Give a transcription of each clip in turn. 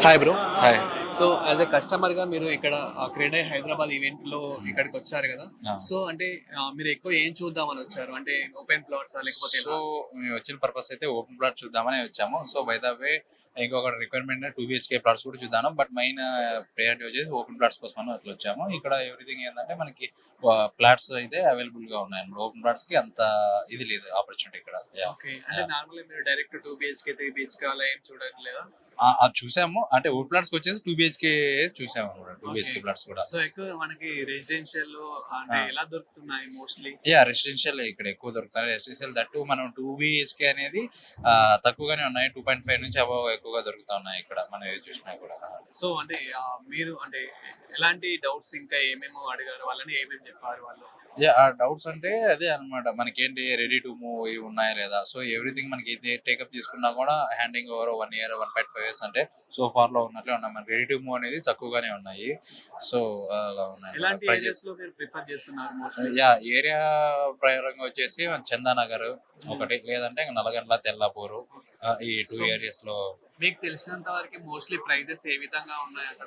Hi bro. Hi. So as a కస్టమర్‌గా మీరు ఇక్కడ క్రెడే హైదరాబాద్ ఈవెంట్‌లో హ్మ్. ఇక్కడికొచ్చారు గదా! ఆ! సో అంటే మీరు ఎక్కువ ఏం చూద్దామని వచ్చారు? అంటే ఓపెన్ ప్లాట్సా లేకపోతే సో, ఎలా? మేము వచ్చిన పర్పస్ అయితే ఓపెన్ ప్లాట్ చూద్దామనే వచ్చాము. సో, బై ద వే ఇంకొక రిక్వైర్మెంట్ 2 బీహెచ్‌కే ప్లాట్స్ కూడా చూద్దాము. బట్ మెయిన్ ప్రయారిటీ వచ్చేసి ఓపెన్ ప్లాట్స్ కోసమని అట్లా వచ్చాము. ఇక్కడ ఎవ్రీథింగ్ ఏందంటే మనకి ప్లాట్స్ అయితే అవైలబుల్‌గా ఉన్నాయండి. ఓపెన్ ప్లాట్స్‌కి అంత ఇది లేదు ఆపర్చునిటీ ఇక్కడ. యాహ్! ఓకే. అంటే యాహ్! నార్మల్‌గా మీరు డైరెక్ట్ 2 బీహెచ్‌కే, 3 బీహెచ్‌కే అలా ఏం చూడట్లేదా? అది చూసాము. అంటే ఓపెన్ ప్లాట్స్‌కొచ్చేసి 2 బీహెచ్‌కే చూసామన్నమాట. 2 ఓకే. బీహెచ్‌కే ప్లాట్స్ కూడా. సో ఎక్కువ మనకి రెసిడెన్షియల్‌లో ఆ! అంటే ఎలా దొరుకుతున్నాయి మోస్ట్‌లీ? రెసిడెన్షియల్ ఇక్కడ ఎక్కువ దొరుకుతాయి. రెసిడెన్షియల్ దట్టు మనం 2 బీహెచ్‌కే అనేది తక్కువగానే ఉన్నాయి. 2.5 నుంచి అబోవ్ ఎక్కువగా దొరుకుతా ఉన్నాయి ఇక్కడ. మనం ఏది చూసినా కూడా. సో అంటే మీరు అంటే ఎలాంటి డౌట్స్ ఇంకా ఏమేమో అడిగారు? వాళ్ళని ఏమేమి చెప్పారు వాళ్ళు? ఆ డౌట్స్ అంటే అదే అన్నమాట. మనకేంటి రెడీ టు మూవ్ ఇవి ఉన్నాయా లేదా? సో, ఎవ్రీథింగ్ మనకి ఏది టేకప్ తీసుకున్నా కూడా హ్యాండింగ్ ఓవర్ 1 ఇయర్, 1.5 ఇయర్స్ అంటే సో ఫార్‌లో ఉన్నట్లే ఉన్నాయి. మనకి రెడీ టు మూవ్ అనేది తక్కువగానే ఉన్నాయి. సో, అలా ఉన్నాయన్నమాట ఎలాంటి ప్రైజెస్. ఏరియాస్‌లో మీరు ప్రిఫర్ చేస్తున్నారు మోస్ట్‌లీ? ఏరియా ప్రకారంగా వచ్చేసి చందానగర్ హ్మ్. ఒకటి, లేదంటే ఇంక నల్లగండ్ల, తెల్లాపూరు ఈ 2 సో ఏరియాస్‌లో. మీకు తెలిసినంత వరకి మోస్ట్‌లీ ప్రైజెస్ ఏ విధంగా ఉన్నాయక్కడ?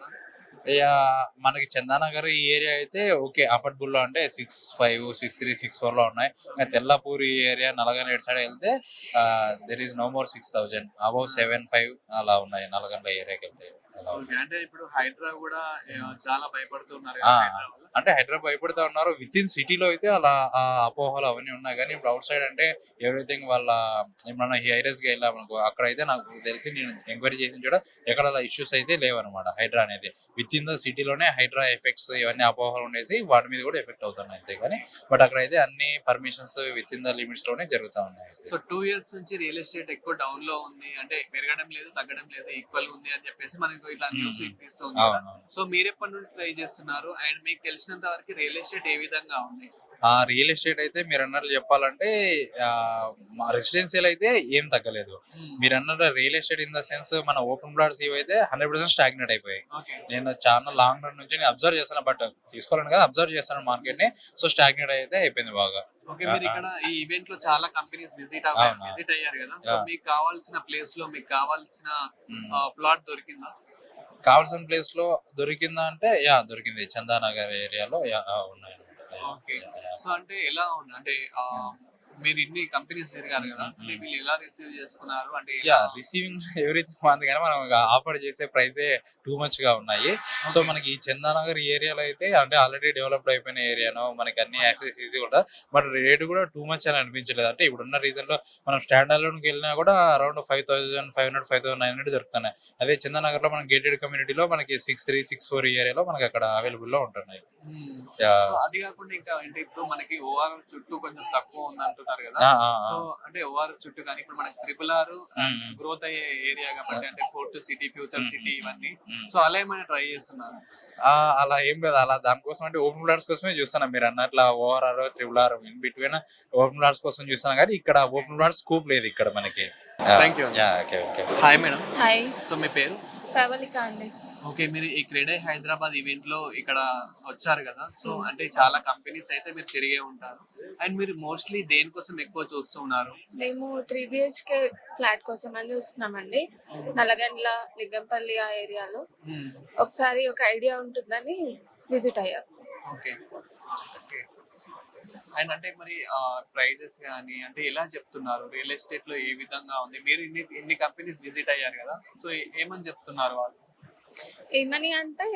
మనకి చందానగర్ ఈ ఏరియా అయితే ఓకే. అఫోర్డబుల్‌లో అంటే 6.5, 6.3, 6.4లో ఉన్నాయి. ఇంక తెల్లాపూర్ ఈ ఏరియా నల్లగండ్ల ఇటు సైడ్ ఎళ్తే there is no more 6,000 above 7.5 అలా ఉన్నాయి నల్లగండ్ల ఏరియాకెళ్తే అలా ఓకే. ఉన్నాయి. అంటే ఇప్పుడు హైడ్రా గూడా హ్మ్. చాలా భయపడుతున్నారు ఆ! గదా! హైడ్రా వల్ల. అంటే హైదరాబాద్ భయపడతా ఉన్నారు. వితిన్ సిటీలో అయితే అలా అపోహలు అవన్నీ ఉన్నాయి గానీ, ఇప్పుడు ఔట్ సైడ్ అంటే ఎవ్రీథింగ్ వాళ్ళ ఏమన్నా హైరేస్‌గా ఎళ్ళామనుకో అక్కడైతే నాకు తెలిసి నేను ఎంక్వైరీ చేసిన చోట ఎక్కడ అలా ఇష్యూస్ అయితే లేవన్నమాట హైడ్రా అనేది. వితిన్ ద సిటీలోనే హైడ్రా ఎఫెక్ట్స్ ఇవన్నీ అపోహలు ఉండేసి వాటి మీద కూడా ఎఫెక్ట్ అవుతున్నాయి అంతే గాని, బట్ అక్కడైతే అన్ని పర్మిషన్స్ వితిన్ ద లిమిట్స్‌లోనే జరుగుతా ఉన్నాయి. సో 2 ఇయర్స్ నుంచి రియల్ ఎస్టేట్ ఎక్కువ డౌన్‌లో ఉంది. అంటే పెరగడం లేదు, తగ్గడం లేదు, ఈక్వల్‌గా ఉంది అని చెప్పేసి మనకు ఇట్లా హ్మ్. న్యూస్ హ్మ్. ఇనిపిస్తుంది గదా! అవునవును. సో మీరెప్పటి నుండి ట్రై చేస్తున్నారు? అండ్ మీకు తెలిసినంత వరకు రియల్ ఎస్టేట్ ఏ విధంగా ఉంది? రియల్ ఎస్టేట్ అయితే మీరన్నట్లు చెప్పాలంటే మా రెసిడెన్షియల్ అయితే ఏం తగ్గలేదు. హ్మ్. మీరన్నట్టు real estate in the sense మన ఓపెన్ ప్లాట్స్ ఇవైతే 100% స్టాగ్నేట్ అయిపోయాయి. ఓకే. నేను చాలా లాంగ్ రన్ నుంచి నేను అబ్జర్వ్ చేస్తాను. బట్ తీసుకోవాలని కాదు, అబ్జర్వ్ చేస్తాను మార్కెట్‌ని. సో, స్టాగ్నేట్ అయితే అయిపోయింది బాగా. ఓకే. ఆ! ఆ! మీరిక్కడ ఈ ఈవెంట్‌లో చాలా కంపెనీస్ అవునా! విజిట్ అయ్యారు గదా! So yeah! మీకు కావాల్సిన ప్లేస్‌లో మీకు కావాల్సిన హ్మ్. ప్లాట్ దొరికిందా? కావాల్సిన ప్లేస్‌లో దొరికిందా అంటే దొరికింది. చందానగర్ ఏరియాలో ఉన్నాయన్నమాట. ఓకే. యాహ్! యాహ్! సో, అంటే ఎలా ఉంది? అంటే హ్మ్. మీరు ఇన్ని కంపెనీస్ తిరిగారు హ్మ్. గదా! హ్మ్. అంటే హ్మ్. వీళ్ళు ఎలా రిసీవ్ చేసుకున్నారు? అంటే ఎలా? రిసీవింగ్ ఎవ్రీథింగ్ బాగుంది గానీ, మనం ఆఫర్ చేసే ప్రైసే టూ మచ్‌గా ఉన్నాయి. So, okay. మనకి ఈ చందానగర్ ఏరియాలో అయితే అంటే ఆల్రెడీ డెవలప్డ్ అయిపోయిన ఏరియానో, మనకి అన్ని యాక్సెస్ ఈజీగా ఉంటది. బట్ రేట్ కూడా టూ మచ్ అని అనిపించలేదు. అంటే ఇప్పుడున్న రీజన్‌లో మనం స్టాండ్ అలోన్‌కి వెళ్ళినా కూడా అరౌండ్ 5,500, 5,900 దొరుకుతున్నాయి. అదే చందానగర్‌లో మనం గేటెడ్ కమ్యూనిటీలో మనకి 6.3, 6.4 ఈ ఏరియాలో మనకి అక్కడ అవైలబుల్‌లో ఉంటున్నాయి. హ్మ్. So, yeah! అది గాకుండా ఇంకా అంటే ఇప్పుడు మనకి ఓఆర్ చుట్టూ కొంచెం తక్కువ ఉందంటున్నారు గదా! ఆ! ఆ! ఆ! సో, అంటే ఓఆర్ చుట్టూ గాని ఇప్పుడు మనకి త్రిపుల్ ఆర్ హ్మ్. అండ్ హ్మ్. గ్రోత్ అయ్యే ఏరియా గాబట్టి అంటే ఫోర్త్ సిటీ, ఫ్యూచర్ హ్మ్. సిటీ హ్మ్. హ్మ్. ఇవన్నీ. హ్మ్. సో, అలా ఏమైనా ట్రై చేస్తున్నారా? అలా ఏం లేదు. అలా దానికోసం అంటే ఓపెన్ ప్లాట్స్ కోసమే చూస్తున్నా. మీరన్నట్ల ORR, triple R in between open plots కోసం చూస్తున్నా గానీ, ఇక్కడ ఓపెన్ ప్లాట్స్ స్కోప్ లేదు ఇక్కడ మనకి. యాహ్! థాంక్ యూ అండి. Okay. Okay. Hi madam. Hi. So, మీ పేరు? ప్రవళిక అండి. ఓకే. మీరు ఈ క్రెడే హైదరాబాద్ ఈవెంట్‌లో ఇక్కడ వచ్చారు గదా! సో, హ్మ్. అంటే చాలా కంపెనీస్ అయితే మీరు తిరిగే ఉంటారు. అండ్ మీరు మోస్ట్‌లీ దేనికోసం ఎక్కువ చూస్తూ ఉన్నారు? మేము 3 బీహెచ్‌కే ఫ్లాట్ కోసమని చూస్తున్నామండి. నల్లగండ్ల, లింగంపల్లి ఆ ఏరియాలో. హ్మ్. ఒకసారి ఒక ఐడియా ఉంటుందని విజిట్ అయ్యాం. ఓకే. ఓకే. అండ్ అంటే మరి ప్రైజెస్ గాని అంటే ఎలా చెప్తున్నారు? రియల్ ఎస్టేట్‌లో ఏ విధంగా ఉంది? మీరు ఇన్ని కంపెనీస్ విజిట్ అయ్యారు గదా! సో, ఏమని చెప్తున్నారు వాళ్ళు? ఏమని అంటే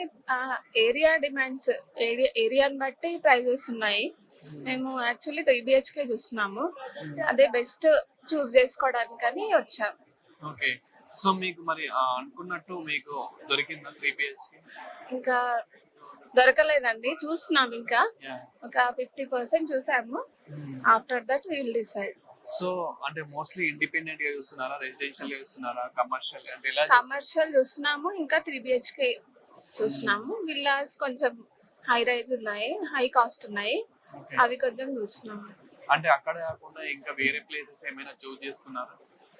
ఏరియా డిమాండ్స్ ఏరియాని బట్టి ప్రైజెస్ ఉన్నాయి. హ్మ్. మేము యాక్చువల్లీ 3 బీహెచ్‌కే చూస్తున్నాము. హ్మ్. అదే బెస్ట్ చూజ్ చేసుకోవడానికని వచ్చాం. ఓకే. సో, మీకు మరి అనుకున్నట్టు మీకు దొరికిందా 3 బీహెచ్‌కే? ఇంకా దొరకలేదండి. చూస్తున్నాం ఇంకా. యాహ్! ఒక 50% చూసాము. హ్మ్. After that we will decide. So, అంటే మోస్ట్‌లీ ఇండిపెండెంట్‌గా చూస్తున్నారా? రెసిడెన్షియల్‌గా చూస్తున్నారా? కమర్షియల్ అంటే ఎలా చూస్తున్నారు? కమర్షియల్ చూస్తున్నాము. ఇంకా 3 బీహెచ్‌కే హ్మ్. చూస్తున్నాము. విల్లాస్ కొంచెం హై రైజ్ ఉన్నాయి. హై కాస్ట్ ఉన్నాయి. ఓకే. అవి కొంచెం చూస్తున్నాము. అంటే అక్కడ కాకుండా ఇంకా వేరే ప్లేసెస్ ఏమైనా చూజ్ చేసుకున్నారా?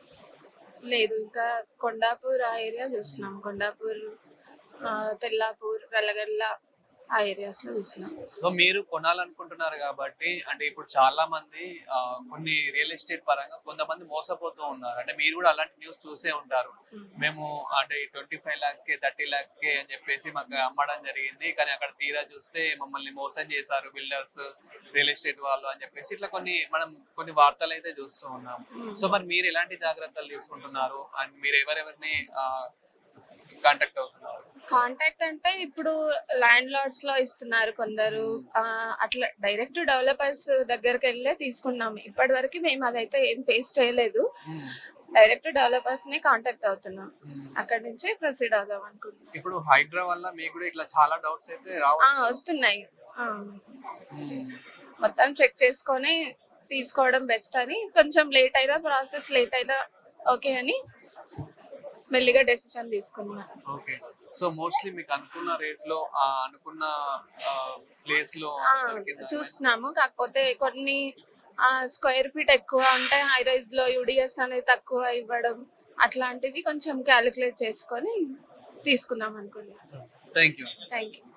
లేదు ఇంకా కొండాపూర్ ఆ ఏరియా చూస్తున్నాం. కొండాపూర్, తెల్లాపూర్, వెల్లగండ్ల ఆ ఏరియాస్ లో తీసుకున్నాం. సో మీరు కొనాలనుకుంటున్నారు కాబట్టి అంటే ఇప్పుడు చాలా మంది కొన్ని రియల్ ఎస్టేట్ పరంగా కొంతమంది మోసపోతూ ఉన్నారు. అంటే మీరు కూడా అలాంటి న్యూస్ చూసే ఉంటారు. మేము అంటే 25 lakhs కే 30 lakhs కే అని చెప్పేసి మాకు అమ్మడం జరిగింది. కానీ అక్కడ తీరా చూస్తే మమ్మల్ని మోసం చేశారు బిల్డర్స్, రియల్ ఎస్టేట్ వాళ్ళు అని చెప్పేసి ఇట్లా కొన్ని వార్తలు అయితే చూస్తూ ఉన్నాం. సో మరి మీరు ఎలాంటి జాగ్రత్తలు తీసుకుంటున్నారు అండ్ మీరు ఎవరెవరిని కాంటాక్ట్ అవుతున్నారు? కాంటాక్ట్ అంటే ఇప్పుడు ల్యాండ్ లార్డ్స్ లో ఇస్తున్నారు కొందరు, అట్లా డైరెక్ట్ డెవలపర్స్ దగ్గరికి వెళ్ళే తీసుకున్నాము. ఇప్పటి వరకు మేము అదైతే ఏం ఫేస్ చేయలేదు. డైరెక్ట్ డెవలపర్స్ ని కాంటాక్ట్ అవుతున్నాం, అక్కడ నుంచి ప్రొసీడ్ అవుదాం అనుకుంటున్నాం. ఇప్పుడు హైడ్రా వల్ల మీకు కూడా ఇట్లా చాలా డౌట్స్ అయితే రావచ్చు. వస్తున్నాయి. మ్మ్. మొత్తం చెక్ చేసుకొని తీసుకోవడం బెస్ట్ అని, కొంచెం లేట్ అయినా ప్రాసెస్ లేట్ అయినా ఓకే అని మెల్లిగా డెసిషన్ తీసుకున్నా. ఓకే. సో మోస్ట్లీ మీకు అనుకున్న రేట్ లో అనుకున్న ప్లేస్ లో దొరికిందా? చూస్తున్నాము, కాకపోతే కొన్ని స్క్వేర్ ఫీట్ ఎక్కువ ఉంటే హై రైజ్ లో యూడిఎస్ అనేది తక్కువ ఇవ్వడం, అట్లాంటివి కొంచెం క్యాలిక్యులేట్ చేసుకొని తీసుకుందాం అనుకున్నాం. Thank you. Thank you.